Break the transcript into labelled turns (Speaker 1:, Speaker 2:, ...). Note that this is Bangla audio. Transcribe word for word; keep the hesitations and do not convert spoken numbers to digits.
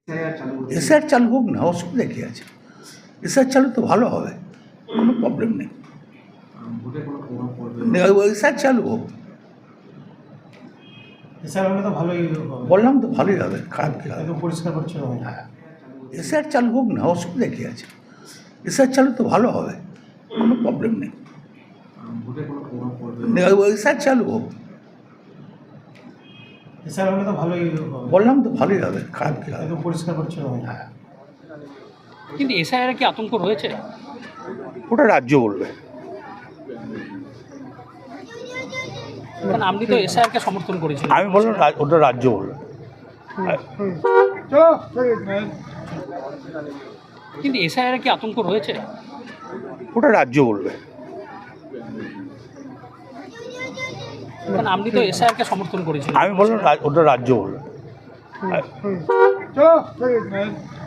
Speaker 1: এসআর চালু হোক না, অসুবিধা কী আছে? এসআর চালু তো ভালো হবে, কোনো প্রবলেম নেই। এসআর চালু হোক,
Speaker 2: এসআর হলে তো ভালোই হবে।
Speaker 1: বললাম তো ভালোই হবে, খারাপ কী হবে?
Speaker 2: একদম পরিষ্কার পরিচ্ছন্ন হবে।
Speaker 1: হ্যাঁ, এসআর চালু হোক না, অসুবিধা কী আছে? এসআর চালু তো ভালো হবে, কোনো প্রবলেম নেই। এসআর চালু হোক,
Speaker 2: এসআর হলে তো ভালোই হবে।
Speaker 1: বললাম তো ভালোই হবে, খারাপ কী হবে?
Speaker 2: একদম পরিষ্কার পরিচ্ছন্ন হবে।
Speaker 1: হ্যাঁ,
Speaker 3: কিন্তু এসআইআর কি আতঙ্ক রয়েছে?
Speaker 1: ওটা রাজ্য বলবে।
Speaker 3: কারণ আপনি তো এসআইআরকে সমর্থন করেছিলেন।
Speaker 1: আমি বললাম রা- ওটা রাজ্য বলবে।
Speaker 3: কিন্তু এসআইআর কি আতঙ্ক রয়েছে?
Speaker 1: ওটা রাজ্য বলবে।
Speaker 3: কারণ আপনি তো এসআইআরকে সমর্থন করেছিলেন।
Speaker 1: আমি বললাম রা- ওটা রাজ্য বলবে।